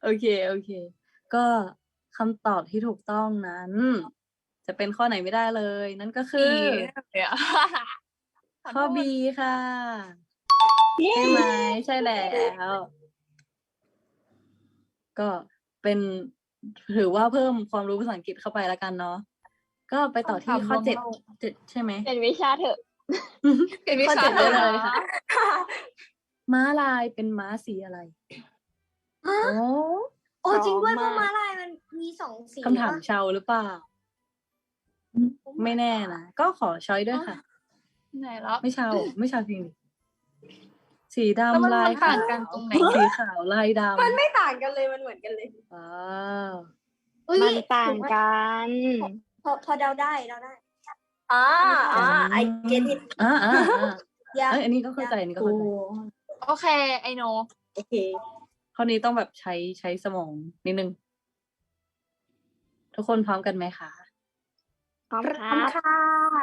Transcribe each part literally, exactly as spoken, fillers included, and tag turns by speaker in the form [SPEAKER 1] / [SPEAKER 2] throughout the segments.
[SPEAKER 1] โอเคโอเค ก็คำตอบที่ถูกต้องนั้น จะเป็นข้อไหนไม่ได้เลย นั่นก็คือ ข้อ B ค่ะใช่ไหมใช่แล้ว ก็เป็นถือว่าเพิ่มความรู้ภาษาอังกฤษเข้าไปแล้วกันเนาะก็ไปต่อที่ข้อเจ็ดเจ็ดใช่ไหม
[SPEAKER 2] เป็นวิชาเถอะ
[SPEAKER 3] เป็นวิ
[SPEAKER 1] ข้อ
[SPEAKER 3] ชา
[SPEAKER 1] เจ็ด
[SPEAKER 3] เถ
[SPEAKER 1] ได้
[SPEAKER 3] อะ
[SPEAKER 1] เลยค่ะ ม้าลายเป็นม้าสีอะไร
[SPEAKER 4] ฮะ
[SPEAKER 1] โอ้
[SPEAKER 4] โอ้จริงด้วยเพ
[SPEAKER 2] พร้อ
[SPEAKER 4] ราะ
[SPEAKER 2] มมาก
[SPEAKER 4] ม้าลายมันมีสองสี
[SPEAKER 1] คำถาม
[SPEAKER 4] ปะ
[SPEAKER 1] เชาวหรือเปล่า ไม่แน่นะ ก็ขอช้อยด้วยค่ะ
[SPEAKER 3] ไหนแล้ว
[SPEAKER 1] ไม่เชาวไม่เชาวจริงดิสี
[SPEAKER 3] แล้วมัน
[SPEAKER 1] ดำลาย
[SPEAKER 3] ต่า
[SPEAKER 1] ขาง ว
[SPEAKER 3] กันตรงไหน
[SPEAKER 1] สีขาวลายดำ
[SPEAKER 4] มันไม่ต่างกันเลยมันเหมือนกันเลย
[SPEAKER 1] ว้าว
[SPEAKER 4] อุ๊ย
[SPEAKER 2] มันต่างกัน
[SPEAKER 4] พอพอเดาได้เดาได้อ่าอ่า I get it
[SPEAKER 1] อ่าอ่าอ่า
[SPEAKER 4] ยาก
[SPEAKER 1] เอ้ยอันนี้ก็เข้าใจอันนี้ก็เข้าใจ
[SPEAKER 3] โอเค ไอโน
[SPEAKER 4] โอเค
[SPEAKER 1] ข้อนี้ต้องแบบใช้ใช้สมองนิดนึง ทุกคนพร้อมกันไหมคะ
[SPEAKER 2] พร้อมค
[SPEAKER 4] ข
[SPEAKER 2] รั
[SPEAKER 4] อบคุณ
[SPEAKER 2] บ
[SPEAKER 4] ค่ะ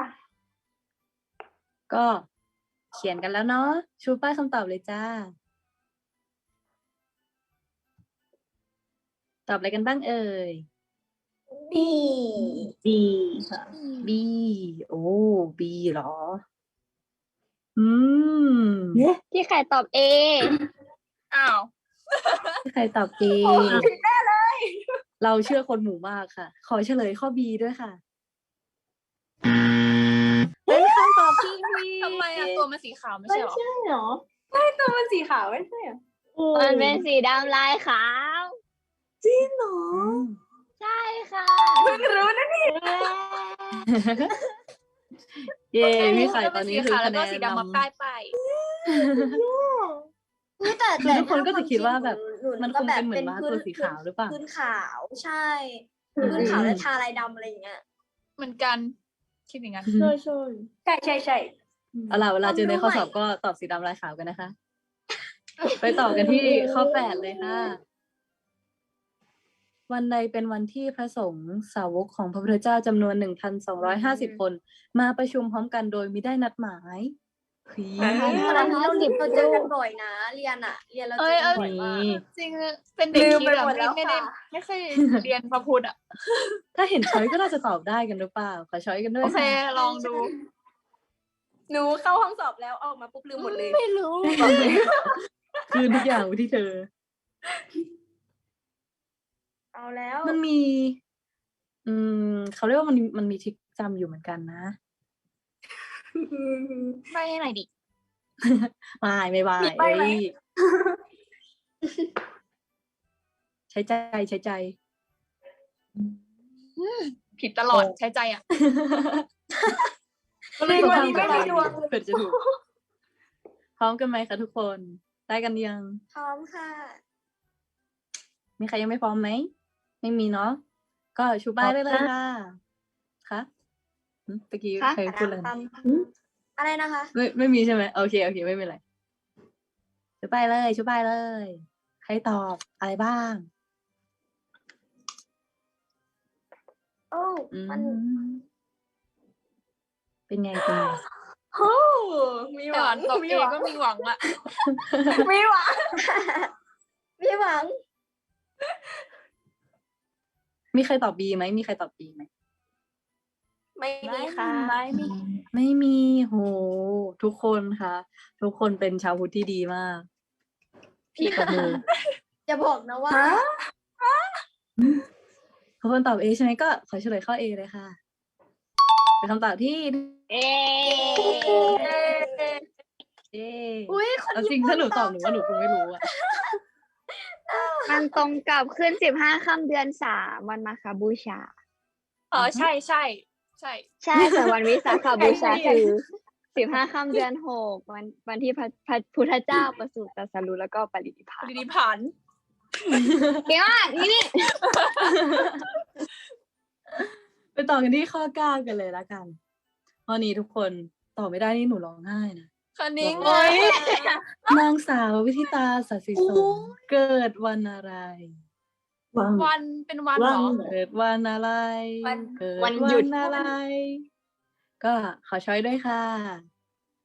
[SPEAKER 1] ก็เขียนกันแล้วเนาะ ชูป้ายคำตอบเลยจ้า ตอบอะไรกันบ้างเอ่ย
[SPEAKER 4] B
[SPEAKER 1] B ค่ะ B โอ้ B เหรอ อืม
[SPEAKER 2] ที่ใครตอบ A
[SPEAKER 3] อ้าว
[SPEAKER 1] ใครตอบ A
[SPEAKER 4] โอ้ผิดแน่เลย
[SPEAKER 1] เราเชื่อคนหมู่มากค่ะ ขอเฉลยข้อ B ด้วยค่ะ เป็นคำตอบที่ผิด
[SPEAKER 3] ทำไมอะตัวมันสีขาวไม่ใช่เหรอ
[SPEAKER 4] ใช่เหรอใช่ตัวมันสีขาวไม่ใช่เหรอ
[SPEAKER 2] มันเป็นสีดำลายขาว
[SPEAKER 4] จริงเหรอ
[SPEAKER 1] อืม
[SPEAKER 2] ใช่ค่ะ
[SPEAKER 4] เพิ่งรู้นะนี่
[SPEAKER 1] เย้
[SPEAKER 3] โอเค
[SPEAKER 1] พี่ไข่
[SPEAKER 3] แล้ว
[SPEAKER 1] ต
[SPEAKER 3] เป็
[SPEAKER 1] อน
[SPEAKER 3] น
[SPEAKER 1] นี้
[SPEAKER 3] สี
[SPEAKER 1] คือ
[SPEAKER 3] ขาวแล้
[SPEAKER 1] คะ
[SPEAKER 3] ว
[SPEAKER 1] แน
[SPEAKER 3] ก็
[SPEAKER 1] น
[SPEAKER 3] สีดำมาน
[SPEAKER 1] ำ
[SPEAKER 3] ป้ายป้าย
[SPEAKER 4] คือแต่
[SPEAKER 1] คือ
[SPEAKER 4] แต่
[SPEAKER 1] ทุกคนก็จะคิดว่าแบบ
[SPEAKER 4] ห
[SPEAKER 1] มัน
[SPEAKER 4] ก็
[SPEAKER 1] คง
[SPEAKER 4] แบบ
[SPEAKER 1] เป็นเหมือนม้า
[SPEAKER 4] พื้
[SPEAKER 1] ตัวสีขาวหรือเปล่า
[SPEAKER 4] พื้นขาวใช่
[SPEAKER 1] อืม
[SPEAKER 4] พื้นขาวแล้วทาลายดำอะไรอย่างเงี้ย
[SPEAKER 3] เหมือนกัน คิดอย่างนั้น
[SPEAKER 4] ใช่ใช่ใช่ใช่ใช่
[SPEAKER 1] เอาล่ะเวลาเจอในข้อสอบก็ตอบสีดำลายขาวกันนะคะ ไปต่อกันที่ข้อแปดเลยค่ะ วันใดเป็นวันที่พระสงฆ์สาวกของพระพุทธเจ้าจำนวนหนึ่งพันสองร้อยห้าสิบคน มาประชุมพร้อมกันโดยมิได้นัดหมายผี
[SPEAKER 4] อันนี้เราเราเจอกันบ่อยนะ เรียนอะเรียนเราเจอกันบ่อยมาก
[SPEAKER 3] จริงๆเป็นเด็ก
[SPEAKER 4] ลืม
[SPEAKER 3] ที่
[SPEAKER 4] ไป
[SPEAKER 3] แบบ
[SPEAKER 4] หมดแล้
[SPEAKER 3] ไม่
[SPEAKER 4] ว
[SPEAKER 3] ไม่ได้
[SPEAKER 4] ค่ะ
[SPEAKER 3] ไม่เคยเรียนพระพุทธอ่ะ
[SPEAKER 1] ถ้าเห็นช้อยก็น่าจะตอบได้กันหรือเปล่า ขอช้อยกันด้ว
[SPEAKER 3] โอย เค
[SPEAKER 1] ค่ะ
[SPEAKER 3] ลองดู
[SPEAKER 4] หนูเข้าห้องสอบแล้วออกมาปุ๊บลืมหมดเลย
[SPEAKER 3] ไม่รู้
[SPEAKER 1] คืนทุกอย่างไว้ที่เธอ
[SPEAKER 4] เอาแล้ว
[SPEAKER 1] มันมี อืมเขาเรียกว่ามันมันมีทริคจำอยู่เหมือนกันนะ
[SPEAKER 3] ไม่ให้หน่อยดิ
[SPEAKER 1] ไม่ไม่ไม่
[SPEAKER 4] มีใบ้ไหม
[SPEAKER 1] เอ้ยใช้ใจใช้ใจ
[SPEAKER 3] ผิดตลอดใช้ใจอ่ะ
[SPEAKER 1] ก็เลย
[SPEAKER 4] วัน
[SPEAKER 1] ทำ
[SPEAKER 4] นี้
[SPEAKER 1] กับ
[SPEAKER 4] ไม่
[SPEAKER 1] เรา
[SPEAKER 4] มีดวง
[SPEAKER 1] เผื่อจะถูก พร้อมกันไหมคะทุกคน ได้กันยัง
[SPEAKER 4] พร้อมค่ะ
[SPEAKER 1] มีใครยังไม่พร้อมไหม ไม่มีเนาะ ก็ชูป้ายได้เลยค่ะ คะหึเมื่อกี้
[SPEAKER 2] คะ
[SPEAKER 1] ใครพูดอะไรนะ
[SPEAKER 4] อะไรนะคะ
[SPEAKER 1] ไม่ไม่มีใช่ไหมโอเคโอเคไม่เป็นไรชูป้ายเลยชูป้ายเลย ใครตอบอะไรบ้าง
[SPEAKER 4] โอ้
[SPEAKER 1] อืม
[SPEAKER 4] มัน
[SPEAKER 1] เป็นไงเป็นไง
[SPEAKER 4] โอ้มีห
[SPEAKER 3] แต่
[SPEAKER 4] วัง
[SPEAKER 3] ตอบ
[SPEAKER 4] มี
[SPEAKER 3] เอ
[SPEAKER 4] หวัง
[SPEAKER 3] ก็มีหวังอ่ะ
[SPEAKER 4] มีหวัง มีหวัง
[SPEAKER 1] มีใครตอบ B ไหมมีใครตอบ B ไหม
[SPEAKER 4] ไม่มีค่ะ
[SPEAKER 3] ไม่มี
[SPEAKER 1] ไม่มีโห ทุกคนค่ะ ทุกคนเป็นชาวพุทธที่ดีมาก พี่ตบมือ
[SPEAKER 4] จะบอกนะว่า
[SPEAKER 1] ทุกคนตอบ A ใช่ไหมก็ขอเฉลยข้อ A เลยค่ะ เป็นคำตอบที่
[SPEAKER 2] เอ๊
[SPEAKER 1] เอ
[SPEAKER 4] อุ้ยคน
[SPEAKER 1] เอาจริ
[SPEAKER 4] ญี่
[SPEAKER 1] ง
[SPEAKER 4] ปุ่
[SPEAKER 1] ถ้าน หนูตอบหนูว่าหนูคงไม่รู้อะ
[SPEAKER 2] มันตรงกับขึ้นสิบห้าค่ำเดือนสามวันมาคบูชา
[SPEAKER 3] อ๋อใช่ใช่ใช่
[SPEAKER 2] ใช่ส่วนวันวิสาขบูชาคือสิบห้าค่ำเดือนหกวันวันที่พระพระพุทธเจ้าประสูติตรัสรู้แล้วก็ปรินิพพาน
[SPEAKER 3] ปรินิพพันธ์
[SPEAKER 2] เก่งมากนี่นี่
[SPEAKER 1] ไปต่อกันที่ข้อเก้ากันเลยละกันข้อนี้ทุกคนตอบไม่ได้นี่หนูร้องไห้นะ
[SPEAKER 3] คันนิ้ง
[SPEAKER 1] โอ๊ย นางสาววิธิตาสัสสิสมเกิดวันอะไร
[SPEAKER 3] วันเป็นวันเหรอ
[SPEAKER 1] เกิดวันอะไร
[SPEAKER 4] วัน
[SPEAKER 1] เกิด
[SPEAKER 2] วันหยุด
[SPEAKER 1] อะไร ก็ขอช้อยด้วยค่ะ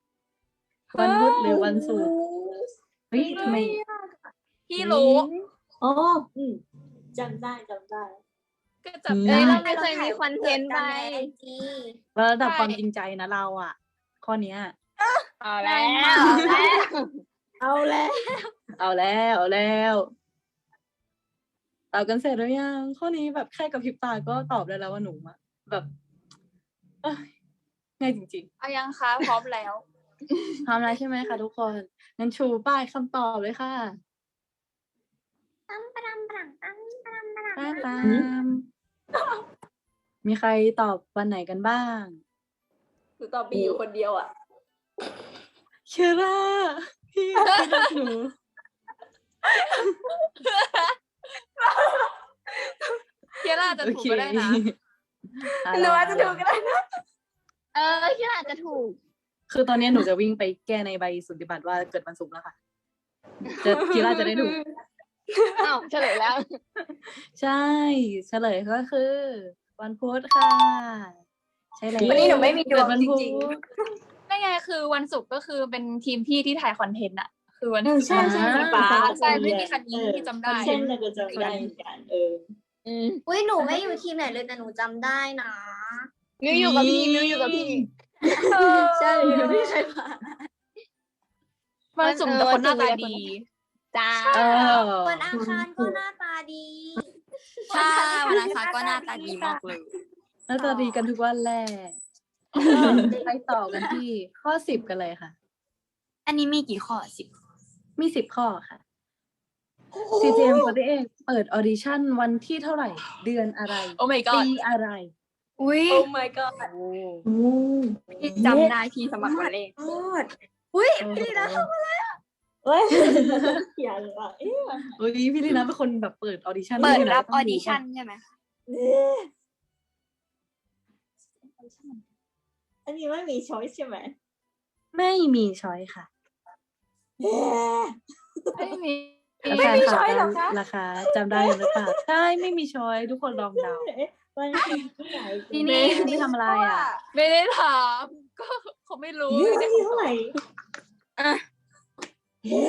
[SPEAKER 1] วันพุธหรือวันศุกร์เฮ้ยทำไม
[SPEAKER 3] พี่รู้
[SPEAKER 4] อ๋ออืมจำได้จำได้
[SPEAKER 3] ก็จับ
[SPEAKER 2] เอ้
[SPEAKER 3] ได้
[SPEAKER 2] ย
[SPEAKER 3] แล้ว
[SPEAKER 2] ไม่เคยมีคอนเทนต์ไป
[SPEAKER 4] จี
[SPEAKER 1] ระดับ
[SPEAKER 3] ใช่
[SPEAKER 1] ความจริงใจนะเราอ่ะ ข้อเนี้ย
[SPEAKER 2] เอาแล้วเอาแล้ว
[SPEAKER 1] เอาแล้วเอาแล้วตอบกันเสร็จหรือยังข้อนี้แบบแค่กับพริบตาก็ตอบได้แล้วว่าหนูอะแบบเอ้ยง่ายจริง
[SPEAKER 3] เอายังคะพร้อมแล้ว
[SPEAKER 1] ๆพร้อมแล้วใช่ไหมคะทุกคนงั้นชูป้ายคำตอบเลยค่ะ
[SPEAKER 4] ตั้มปะดัมปะดัมตั้มปะดัมปะดัม
[SPEAKER 1] ป้าตาม มีใครตอบวันไหนกันบ้าง
[SPEAKER 4] หนูตอบบีอยู่คนเดียวอ่ะ
[SPEAKER 1] เชล่าพี่พี่รักหนู
[SPEAKER 3] เคียร่าจะถูกก็ได้นะ
[SPEAKER 1] อ่
[SPEAKER 4] หนูอาจจะถูกก็ได้นะ
[SPEAKER 2] เออคิดอาจจะถูก
[SPEAKER 1] คือตอนนี้หนูจะวิ่งไปแก้ในใบสุทธิบัตรว่าเกิดวันศุกร์แล้วค่ะ จะกีฬาจะได้ถูก
[SPEAKER 2] อ้าวเฉลยแล้ว
[SPEAKER 1] ใช่ เฉลยก็คือ วันพุธค่ะ ใช่แล้ว
[SPEAKER 4] วันนี้หนูไม่มีดวง
[SPEAKER 1] เกิวันพุธ
[SPEAKER 4] จริง
[SPEAKER 3] นั่นไงคือวันศุกร์ก็คือเป็นทีมพี่ที่ถ่ายคอนเทนต์อะคือวัน
[SPEAKER 4] เออใช่ใช่สีฟ้า
[SPEAKER 3] ใช่ไม่มีคันนี้ที่จำได้
[SPEAKER 4] เช่นเราก็จำได้เหมือนกันเออ
[SPEAKER 2] อืม
[SPEAKER 4] อุ้ยหนูไม่อยู่ทีมไหนเลยแต่หนูจำได้นะ
[SPEAKER 2] มิวอยู่กับพี่มิวอยู่กับพี่
[SPEAKER 4] ใช่หนูไม่เคยผ่าน
[SPEAKER 3] วันศุกร์แต่คนหน้าตาดี
[SPEAKER 2] จ้า
[SPEAKER 1] เออ
[SPEAKER 4] วันอังคารก็หน้าตาดี
[SPEAKER 5] ใช่วันอังคารก็หน้าตาดีมากเลย
[SPEAKER 1] หน้าตาดีกันทุกวันแหละไปต่อกันที่ข้อสิบกันเลยค่ะ
[SPEAKER 5] อันนี้มีกี่ข้อสิบ
[SPEAKER 1] มีสิบข้อค่ะ ซี เจ เอ็ม สี่สิบเอ็ดเปิดออดิชั่นวันที่เท่าไหร่ เดือนอะไร
[SPEAKER 3] โอ้ my
[SPEAKER 1] ปี
[SPEAKER 3] god
[SPEAKER 1] อะไร
[SPEAKER 5] อุ้ย
[SPEAKER 4] โอ้ my god
[SPEAKER 1] โอ้
[SPEAKER 4] โอ้
[SPEAKER 5] พี่จำได้พี่สมัครวันเลข
[SPEAKER 4] โคตรอุ้ย
[SPEAKER 1] พี่ลีนะ
[SPEAKER 4] เฮ้ยเขียนเลยอ่ะเอ๊ะ
[SPEAKER 1] เฮ้ยพี่ลีนะเป็นคนแบบเปิดออดิชั่น
[SPEAKER 5] เปิด
[SPEAKER 1] ด้วยนะ
[SPEAKER 5] รับอ
[SPEAKER 1] ต้
[SPEAKER 5] อง
[SPEAKER 1] ดู
[SPEAKER 5] ดิชั่น
[SPEAKER 1] ป่ะ
[SPEAKER 5] ใช่ไหม
[SPEAKER 4] เนี่ยอันนี้ไม่มีช้อยใช่ไหม
[SPEAKER 1] ไม่มีช้อยค่ะ
[SPEAKER 4] เอ๊ะ
[SPEAKER 3] ไม่มี
[SPEAKER 1] ไม่มี
[SPEAKER 4] ช้อยเหรอคะ
[SPEAKER 1] ราคาจำได้หรือเปล่าใช่ไม่มีช้อยทุกคนลองเดา
[SPEAKER 4] วันที่ไหน
[SPEAKER 1] นี่นี่ไม่ทำอะไรอ่ะ
[SPEAKER 3] ไม่ได้ถามก็เขาไม่รู้
[SPEAKER 4] นี่
[SPEAKER 3] ไม่
[SPEAKER 4] วัน
[SPEAKER 3] ได้
[SPEAKER 4] ที่เท่าไหร่
[SPEAKER 5] อ่ะ
[SPEAKER 4] เอ๊ะ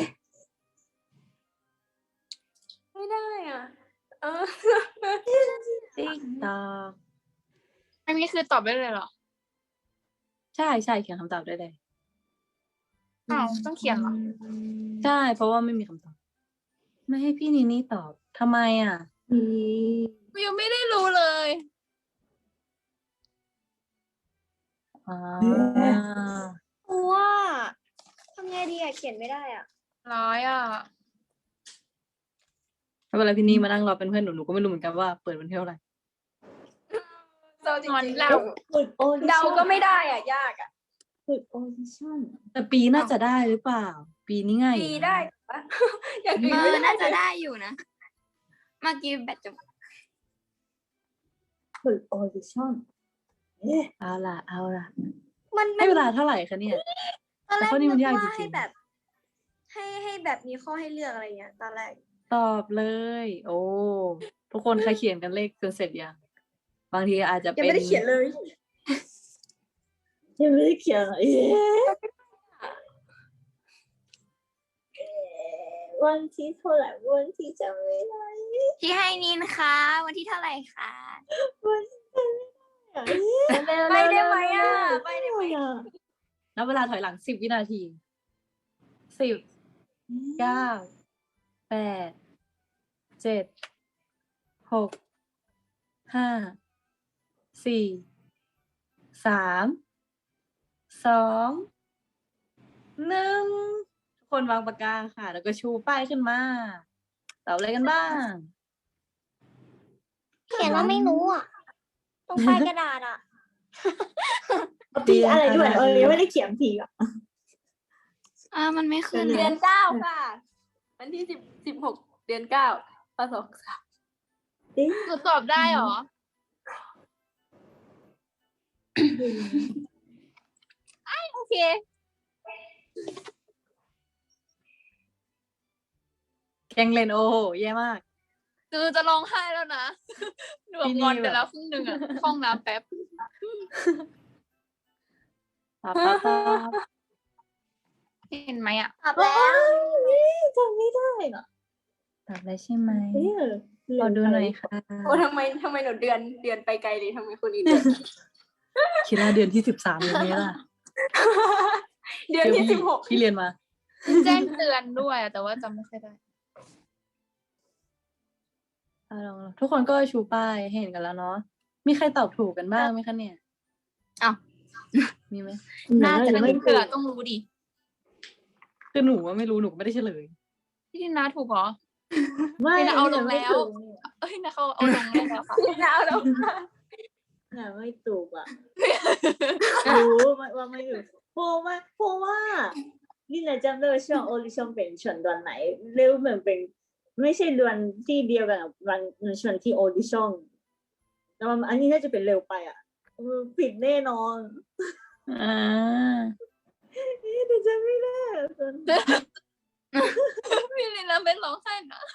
[SPEAKER 3] ไม่ได้อ่ะเออ
[SPEAKER 1] ติ๊กตอก
[SPEAKER 3] อันนี้คือตอบได้เลยเหรอ
[SPEAKER 1] ใช่ใช่เขียนคำตอบได้เลย
[SPEAKER 3] อ้าวต้องเขียนเหรอ
[SPEAKER 1] ใช่เพราะว่าไม่มีคำตอบ ไม่ให้พี่นีนี่ตอบทำไมอ่ะ
[SPEAKER 4] อืม
[SPEAKER 3] วิวไม่ได้รู้เลย
[SPEAKER 1] อ่า
[SPEAKER 4] กลัวทำไงดีอะเขียนไม่ได้อ่ะ
[SPEAKER 3] ร้อยอ่ะ
[SPEAKER 1] ไม่เป็นไรพี่นี่มานั่งรอเป็นเพื่อนหนูหนูก็ไม่รู้เหมือนกันว่าเปิดวันที่เท่าไหร่
[SPEAKER 3] นอนเรา
[SPEAKER 4] ฝึกโอดิชั่น
[SPEAKER 3] เดาก็ไม่ได้อ่ะ ยากอ่ะ
[SPEAKER 4] ฝึกโอดิชั่น
[SPEAKER 1] แต่ปีน่าจะได้หรือเปล่า ปีนี้ง่าย
[SPEAKER 3] ปีได้ปะอย่าง
[SPEAKER 5] เอ
[SPEAKER 3] อื่น
[SPEAKER 5] อ
[SPEAKER 3] ไม่ได้
[SPEAKER 5] น่าจะได้อยู่นะ เมื่อกี้แบตจะ
[SPEAKER 4] ฝึกโอดิชั่นเอ๊ะ
[SPEAKER 1] เอาล่ะเอาล่ะ
[SPEAKER 4] มัน
[SPEAKER 1] ให้เวลาเท่าไหร่คะเนี่ย
[SPEAKER 4] ตอนแรก
[SPEAKER 1] แต่ข้อนี้มัน
[SPEAKER 4] นึก
[SPEAKER 1] ยาก
[SPEAKER 4] ว่า
[SPEAKER 1] จริ
[SPEAKER 4] ให้
[SPEAKER 1] งๆ
[SPEAKER 4] แบบ ให้ให้แบบมีข้อให้เลือกอะไรเงี้ยตอนแรก
[SPEAKER 1] ตอบเลย โอ้ทุกคนใครเขียนกันเลขจนเสร็จยังบางทีอาจจะ
[SPEAKER 4] ยัง
[SPEAKER 1] เป็น
[SPEAKER 4] ไม่ได้เขียนเลย ยังไม่ได้เขียนเลยเอ๊ะเอ๊ะวันที่เท่าไหร่วันที่จำไม่ได้
[SPEAKER 5] พี่ให้นินคะ วันที่เท่าไหร่คะ
[SPEAKER 4] วันที่จำไม่ได้อะ
[SPEAKER 3] ไปได้ไหมอ่ะ
[SPEAKER 4] ไปได้ไหมอ่ะ
[SPEAKER 1] นับเวลาถอยหลังสิบวินาทีสิบเก้าแปดเจ็ดหกห้าสี่สามสองหนึ่งทุกคนวางปากกาค่ะ แล้วก็ชูป้ายขึ้นมาตอบอะไรกันบ้าง
[SPEAKER 4] เขียนว่าไม่รู้อ่ะตรงปลายกระดาษอ่ะ
[SPEAKER 1] ปี
[SPEAKER 4] ปีอะไรด้วย
[SPEAKER 1] อะไร
[SPEAKER 4] เออยังไม่ได้เขียนปีอ่ะ
[SPEAKER 5] อ่ามันไม่ขึ้น
[SPEAKER 4] เดื
[SPEAKER 3] เดื
[SPEAKER 5] เล
[SPEAKER 3] อย นเก้าค่ะ วันที่สิบสิบหกเดือนเก้าปศสามหนูตอบได้เหรอ โอเค
[SPEAKER 1] แกงเลนโอโหแย่มาก
[SPEAKER 3] คือจะร้องไห้แล้วนะ หนูงอนไปแล้วครึ่งหนึ่งอ่ะห้องน้ำแป๊บ
[SPEAKER 1] ตอบตอบตอบ
[SPEAKER 3] เห็นไหมอ่ะ
[SPEAKER 4] ตอบแล้วจำไม่ได้อ่ะ
[SPEAKER 1] ตอบได้ใช่ไหม
[SPEAKER 4] เอ๊ะ
[SPEAKER 1] ขอดูหน่อยค่ะ
[SPEAKER 3] โอ้ทำไมทำไมหนูเดือนเดือนไปไกลเลยทำไมคนอื่นเดือน
[SPEAKER 1] คิดว่าเดือนที่สิบสามเลยไหมล่ะ
[SPEAKER 3] เดือนที่
[SPEAKER 1] พี่
[SPEAKER 3] สิบหก
[SPEAKER 1] พี่เรียนมา
[SPEAKER 6] แจ้งเตือนด้วยแต่ว่าจำไม่ค่อยได้
[SPEAKER 1] อ่ะลองๆทุกคนก็ชูป้ายให้เห็นกันแล้วเนาะ มีใครตอบถูกกันบ้างไหมคะเนี่ย
[SPEAKER 5] อ้าว
[SPEAKER 1] มีไหม
[SPEAKER 6] น่าจะ
[SPEAKER 4] ไม่
[SPEAKER 6] ไม่
[SPEAKER 4] ถู
[SPEAKER 6] เกิ
[SPEAKER 4] ก
[SPEAKER 6] ดต้องรู้ดิ
[SPEAKER 1] คือหนูว่าไม่รู้หนูก็ไม่ได้เฉลย
[SPEAKER 6] พี่ดินาถูกเหรอ
[SPEAKER 4] ไม่
[SPEAKER 6] นี่นะเอาลง
[SPEAKER 4] ไม่
[SPEAKER 6] แล้ว
[SPEAKER 4] ถูก
[SPEAKER 6] เอ้ยนะเขาเอาลงแล้วค่ะ
[SPEAKER 3] หนาวแล้ว
[SPEAKER 4] เนี่ยไม่ถูกอ่ะ รู้ว่าว่าไม่ถูกเพราะว่าเพราะว่านี่นะจำได้ว่าช่วงออดิชั่นเป็นช่วงเดือนไหนเร็วเหมือนเป็น ไม่ใช่เดือนที่เดียวกันกับวันช่วงที่ออดิชั่นแต่ว่าอันนี้น่าจะเป็นเร็วไปอ่ะเออผิดแน่นอน
[SPEAKER 1] อ่า
[SPEAKER 4] เอ๊ะแต่จำไม่ได้อะตอน
[SPEAKER 6] พี่ดินาไม่ร้องไห้นะ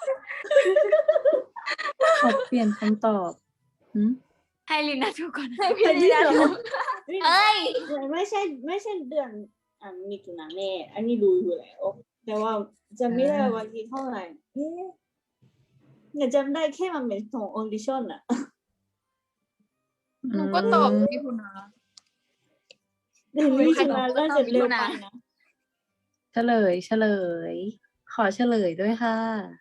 [SPEAKER 1] ขอเปลี่ยนคำตอบหืม
[SPEAKER 5] ให้ลินาถูกก่อน
[SPEAKER 3] ให้พี่ลีนาถูก
[SPEAKER 4] นี่
[SPEAKER 5] เอ้ย
[SPEAKER 4] ไม่ใช่ไม่ใช่เดือนอ่ะมิถุนาแน่อันนี้รู้อยู่แล้วแต่ว่าจำไม่ได้วันที่เท่าไหร่เอ๊ะเนี่ยจำได้แค่มันเป็นของออดิชั่นอ่ะ
[SPEAKER 6] หนูก็ตอบพี่คุณนา
[SPEAKER 4] เดือนมิถุนาก็จะเร็วไปนะ
[SPEAKER 1] เฉลย เฉลย ขอเฉลยด้วยค่ะ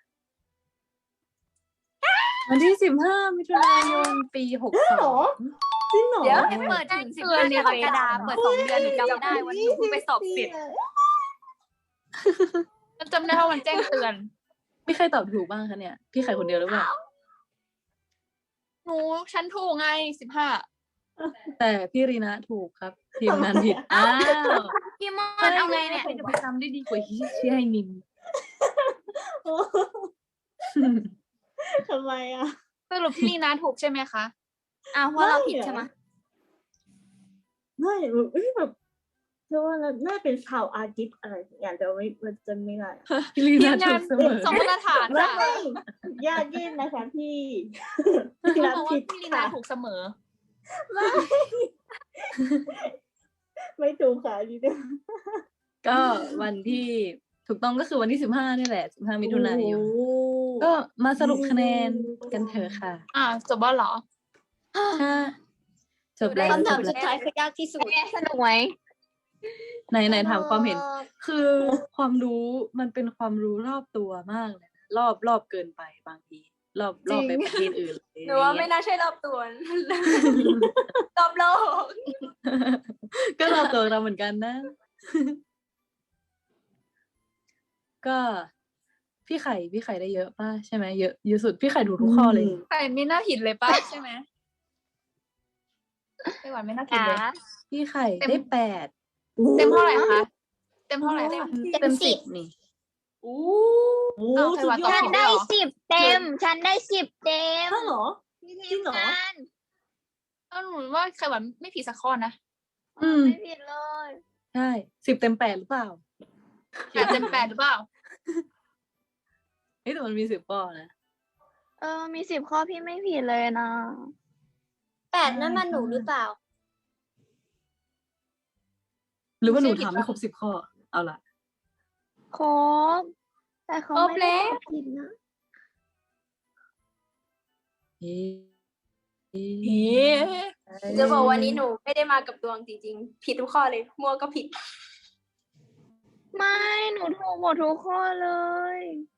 [SPEAKER 1] วันที่สิบห้ามิถุนายนปีหกส
[SPEAKER 4] หร
[SPEAKER 1] อ
[SPEAKER 4] อง จริงเหรอ
[SPEAKER 3] เดี๋ยว
[SPEAKER 5] เปิดถึงสิบห้ากรกฎาคมเปิดสองเดือนหนูจำไม่ได้วันนี้หนูเพิ่งไปสอบเสร็จ
[SPEAKER 6] จำได้ว่ามันแจ้งเตือน
[SPEAKER 1] มีใครตอบถูกบ้างคะเนี่ย พี่ไข่คนเดียวหรือเปล่า
[SPEAKER 6] หนูฉันถูกไงสิบห้า
[SPEAKER 1] แต่พี่รีนะถูกครับ ทีมงานผิด อ้าว
[SPEAKER 5] พี่มอนเอาไงเนี่ย
[SPEAKER 1] ใครจะไปจำได้ดีกว่าที่ชื่อให้นิน
[SPEAKER 4] ทำไมอ่ะ
[SPEAKER 6] สรุปพี่ลีนาถูกใช่ไหมคะ
[SPEAKER 5] อ้าวเพราะเราผิดใช่ไหม
[SPEAKER 4] ไม่แบบเอ้ยแบบเพราะว่าน่าเป็นชาวอาร์ติสอะไรอย่างแต่ว่าไม่มันจะไม่ได้อะ
[SPEAKER 1] พี่รี
[SPEAKER 6] ที
[SPEAKER 1] นะ
[SPEAKER 6] ม
[SPEAKER 1] ถู
[SPEAKER 6] งาน
[SPEAKER 1] กเสมอ
[SPEAKER 6] สองมาตรฐาน
[SPEAKER 4] ไม่
[SPEAKER 6] ค่ะ
[SPEAKER 4] ยากเย็นนะคะพี่
[SPEAKER 6] เขา
[SPEAKER 4] รับ
[SPEAKER 6] บอกว่า
[SPEAKER 4] ผิด
[SPEAKER 6] พี่ลีนา
[SPEAKER 4] ค่ะ
[SPEAKER 6] ถูกเสมอ
[SPEAKER 4] ไม่ถูกค่ะนี่เนี่ย
[SPEAKER 1] ก็วันที่ถูกต้องก็คือวันที่สิบห้านี่แหละสิบห้ามิถุนายน
[SPEAKER 4] โอ้
[SPEAKER 1] ก็มาสรุปคะแนนกันเถอะค่ะ
[SPEAKER 6] อ่าจบแล้วเหรอ
[SPEAKER 1] ถ้าจบแล้ว
[SPEAKER 5] คำ
[SPEAKER 1] จ
[SPEAKER 5] ถาม
[SPEAKER 1] บ
[SPEAKER 5] สุด
[SPEAKER 1] แล้ว
[SPEAKER 5] ท้ายคือยากที่สุด
[SPEAKER 2] แม่สนุกไหม
[SPEAKER 1] ไหนไหนถามความเห็น คือความรู้มันเป็นความรู้รอบตัวมากเลยนะรอบรอบเกินไปบางที รอบรอบไปประเทศอื่นเลย
[SPEAKER 3] หนูว่าไม่น่าใช่รอบตัว รอบโลก
[SPEAKER 1] ก็รอบตัวเราเหมือนกันนะ ก็พี่ไข่พี่ไข่ได้เยอะป่ะใช่ไหมเยอะเยอะสุดพี่ไข่ถูกทุกข้อเลย
[SPEAKER 6] ใครไม่น่าผิดเลยป้าใช่ไหมไต้หวันไม่น่าผิดเลย
[SPEAKER 1] พี่ไข่
[SPEAKER 6] เต็ม
[SPEAKER 1] ได้แปด
[SPEAKER 6] เต็มเท่าไหร่คะ เต็มเท่าไหร่คะ
[SPEAKER 1] เต็มสิบนี่
[SPEAKER 3] อู้
[SPEAKER 4] โอ้
[SPEAKER 6] อ้าว
[SPEAKER 4] สุดยอ
[SPEAKER 6] ใครวะ
[SPEAKER 4] ด
[SPEAKER 2] ฉันได้สิบเต็ม ฉันได้สิบเต็ม
[SPEAKER 4] ถ้าเหรอ
[SPEAKER 2] พี่
[SPEAKER 4] จริ
[SPEAKER 2] ที
[SPEAKER 4] ง
[SPEAKER 2] ม
[SPEAKER 4] เหรอ
[SPEAKER 2] งาน
[SPEAKER 6] เออหนูว่าไขหวานไม่ผิดสักข้อนะ
[SPEAKER 1] อืม
[SPEAKER 2] ไม่ผิดเลย
[SPEAKER 1] ใช่สิบเต็มแปดหรือเปล่า
[SPEAKER 6] แปดเต็มแปดหรือเปล่า
[SPEAKER 1] เฮ้ยแต่มันมีสิบข้อนะ
[SPEAKER 2] เออ มีสิบข้อพี่ไม่ผิดเลยนะ
[SPEAKER 4] แปดนั่นมันหนูหรือเปล่า
[SPEAKER 1] หรือว่าหนู
[SPEAKER 6] ไม่ใช่ผิด
[SPEAKER 1] ถามไม่
[SPEAKER 6] ปะ
[SPEAKER 1] ครบสิบข้อ เอาล่ะ
[SPEAKER 2] ครบ แต่เขา
[SPEAKER 3] ครบ
[SPEAKER 2] ไม่ได้
[SPEAKER 3] แล้ว
[SPEAKER 2] ตอบผิดนะ
[SPEAKER 1] เอ๊ะเอ๊
[SPEAKER 6] เอ๊
[SPEAKER 1] ะ
[SPEAKER 6] ะ
[SPEAKER 3] จะบอกวันนี้หนูไม่ได้มากับดวงจริงๆ ผิดทุกข้อเลย มั่วก็ผิด
[SPEAKER 2] ไม่ หนูถูกหมดทุกข้อเลย